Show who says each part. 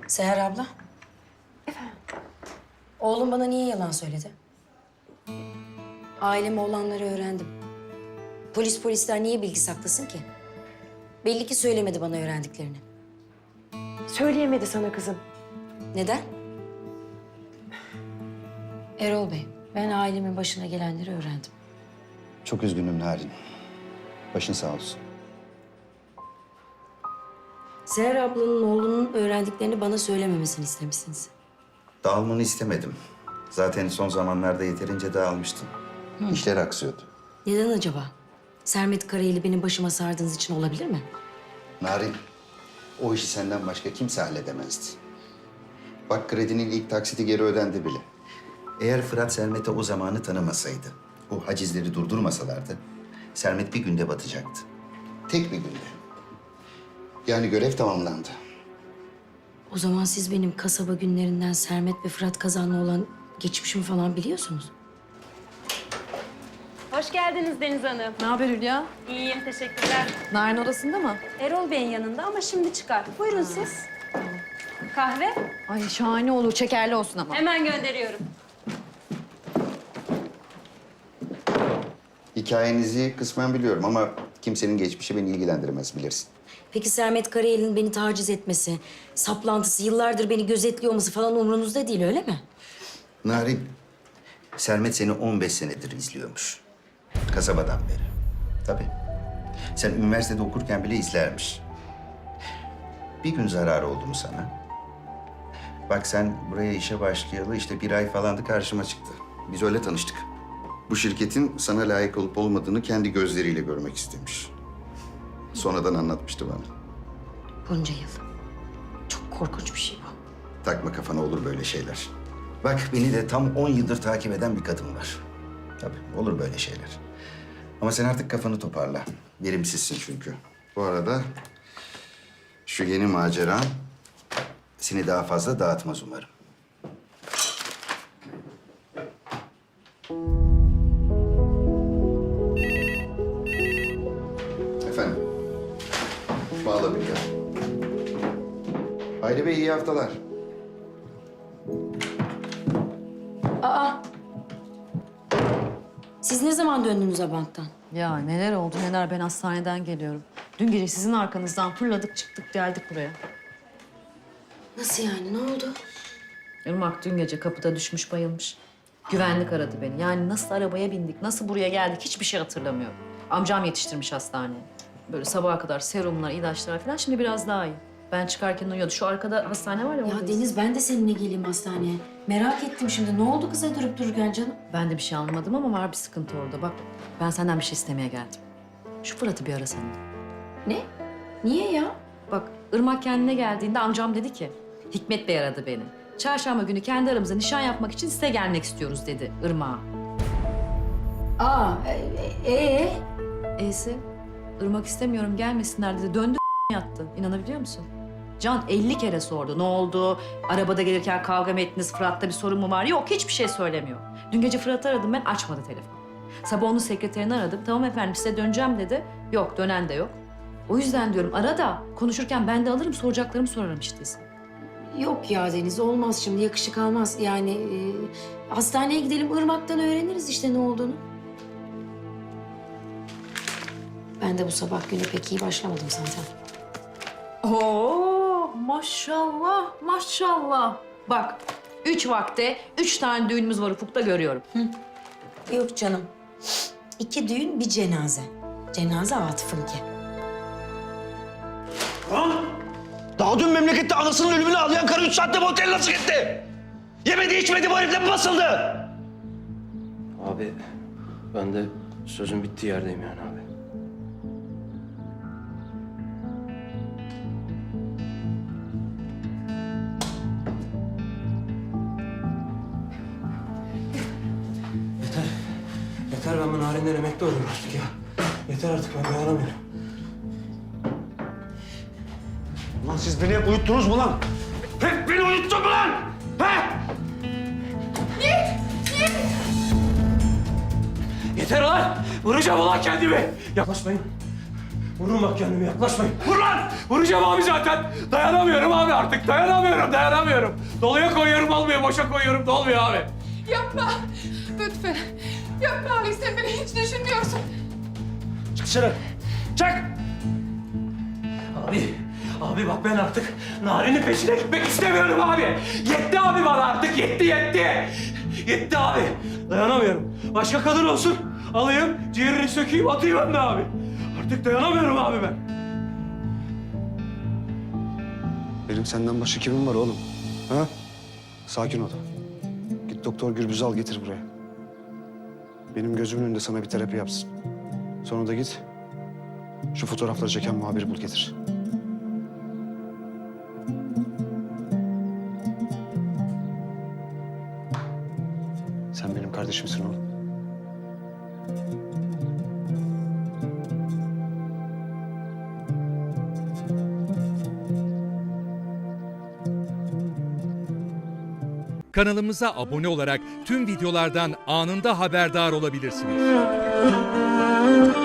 Speaker 1: Seher abla. Oğlum bana niye yalan söyledi? Aileme olanları öğrendim. Polisler niye bilgi saklasın ki? Belli ki söylemedi bana öğrendiklerini.
Speaker 2: Söyleyemedi sana kızım.
Speaker 1: Neden? Erol Bey, ben ailemin başına gelenleri öğrendim.
Speaker 3: Çok üzgünüm Narin. Başın sağ olsun.
Speaker 1: Seher ablanın oğlunun öğrendiklerini bana söylememesini istemişsiniz.
Speaker 3: Dağılmanı istemedim. Zaten son zamanlarda yeterince dağılmıştın. İşler aksıyordu.
Speaker 1: Neden acaba? Sermet Karayel'i benim başıma sardığınız için olabilir mi?
Speaker 3: Narin, o işi senden başka kimse halledemezdi. Bak kredinin ilk taksiti geri ödendi bile. Eğer Fırat Sermet'e o zamanı tanımasaydı, o hacizleri durdurmasalardı, Sermet bir günde batacaktı. Tek bir günde. Yani görev tamamlandı.
Speaker 1: O zaman siz benim kasaba günlerinden Sermet ve Fırat Kazan'la olan geçmişimi falan biliyorsunuz.
Speaker 4: Hoş geldiniz Deniz Hanım.
Speaker 2: Ne haber Hülya?
Speaker 4: İyiyim, teşekkürler.
Speaker 2: Narin odasında mı?
Speaker 4: Erol Bey'in yanında ama şimdi çıkar. Buyurun siz. Kahve?
Speaker 2: Ay şahane olur. Şekerli olsun ama.
Speaker 4: Hemen gönderiyorum.
Speaker 3: Hikayenizi kısmen biliyorum ama kimsenin geçmişi beni ilgilendirmez bilirsin.
Speaker 1: Peki Sermet Karayel'in beni taciz etmesi, saplantısı, yıllardır beni gözetliyor olması falan umurunuzda değil öyle mi?
Speaker 3: Narin, Sermet seni 15 senedir izliyormuş. Kasabadan beri. Tabii. Sen üniversitede okurken bile izlermiş. Bir gün zararı oldu mu sana? Bak sen buraya işe başlayalı işte bir ay falandı karşıma çıktı. Biz öyle tanıştık. Bu şirketin sana layık olup olmadığını kendi gözleriyle görmek istemiş. Sonradan anlatmıştı bana.
Speaker 1: Bunca yıl. Çok korkunç bir şey bu.
Speaker 3: Takma kafana olur böyle şeyler. Bak beni de tam 10 yıldır takip eden bir kadın var. Tabii olur böyle şeyler. Ama sen artık kafanı toparla. Verimsizsin çünkü. Bu arada şu yeni maceran seni daha fazla dağıtmaz umarım. Efendim. Bağla bir ya. Hayri Bey iyi haftalar.
Speaker 1: Siz ne zaman döndünüz Abant'tan?
Speaker 2: Ya neler oldu neler, ben hastaneden geliyorum. Dün gece sizin arkanızdan fırladık çıktık geldik buraya.
Speaker 1: Nasıl yani? Ne oldu?
Speaker 2: Irmak dün gece kapıda düşmüş bayılmış. Güvenlik aradı beni. Yani nasıl arabaya bindik, nasıl buraya geldik hiçbir şey hatırlamıyorum. Amcam yetiştirmiş hastaneye. Böyle sabaha kadar serumlar, ilaçlar falan. Şimdi biraz daha iyi. Ben çıkarken uyuyordu. Şu arkada hastane var ya.
Speaker 1: Ya
Speaker 2: oradayız.
Speaker 1: Deniz ben de seninle geleyim hastaneye. Merak ettim şimdi. Ne oldu kıza durup dururken canım?
Speaker 2: Ben de bir şey anlamadım ama var bir sıkıntı orada. Bak ben senden bir şey istemeye geldim. Şu Fırat'ı bir arasana.
Speaker 1: Ne? Niye ya?
Speaker 2: Bak Irmak kendine geldiğinde amcam dedi ki Hikmet Bey aradı beni. Çarşamba günü kendi aramızda nişan yapmak için size gelmek istiyoruz dedi Irmak'a. E'si Irmak istemiyorum gelmesinler dedi. Döndü yattı. İnanabiliyor musun? Can 50 kere sordu. Ne oldu? Arabada gelirken kavga mı ettiniz? Fırat'ta bir sorun mu var? Yok hiçbir şey söylemiyor. Dün gece Fırat'ı aradım ben açmadı telefon. Sabah onun sekreterini aradım. Tamam efendim size döneceğim dedi. Yok dönen de yok. O yüzden diyorum ara da konuşurken ben de alırım soracaklarımı sorarım işte.
Speaker 1: Yok ya Deniz olmaz şimdi yakışık almaz. Yani hastaneye gidelim Irmak'tan öğreniriz işte ne olduğunu. Ben de bu sabah güne pek iyi başlamadım zaten.
Speaker 2: Oo maşallah maşallah. Bak 3 vakte 3 tane düğünümüz var ufukta görüyorum.
Speaker 1: Yok canım. 2 düğün bir cenaze. Cenaze Atıf'ınki.
Speaker 5: Ha? Daha dün memlekette anasının ölümünü ağlayan karı 3 saatte bu otele nasıl gitti? Yemedi içmedi bu herifle mi basıldı?
Speaker 6: Abi ben de sözün bittiği yerdeyim yani abi. Yeter. Yeter ben bu Narin'den emekli oluyorum artık ya. Yeter artık ben dayanamıyorum.
Speaker 5: Ulan siz beni hep uyuttunuz mu lan? Hep beni uyuttun mu lan? He?
Speaker 6: Yeter ulan! Vuracağım ulan kendimi! Yaklaşmayın. Vurun bak kendime, yaklaşmayın. Vur lan! Vuracağım abi zaten. Dayanamıyorum abi artık. Dayanamıyorum. Doluya koyuyorum olmuyor, boşa koyuyorum da olmuyor abi.
Speaker 7: Yapma. Lütfen. Yapma Alex, sen beni hiç düşünmüyorsun.
Speaker 6: Çık dışarı. Çık! Abi bak ben artık Narin'in peşine gitmek istemiyorum abi. Yetti abi bana artık, yetti. Yetti abi. Dayanamıyorum. Başka kadın olsun. Alayım, ciğerini sökeyim, atayım ben de abi. Artık dayanamıyorum abi ben.
Speaker 8: Benim senden başka kimim var oğlum? Ha? Sakin ol. Git doktor Gürbüz'ü al getir buraya. Benim gözümün önünde sana bir terapi yapsın. Sonra da git şu fotoğrafları çeken muhabiri bul getir. Sen benim kardeşimsin oğlum.
Speaker 9: Kanalımıza abone olarak tüm videolardan anında haberdar olabilirsiniz.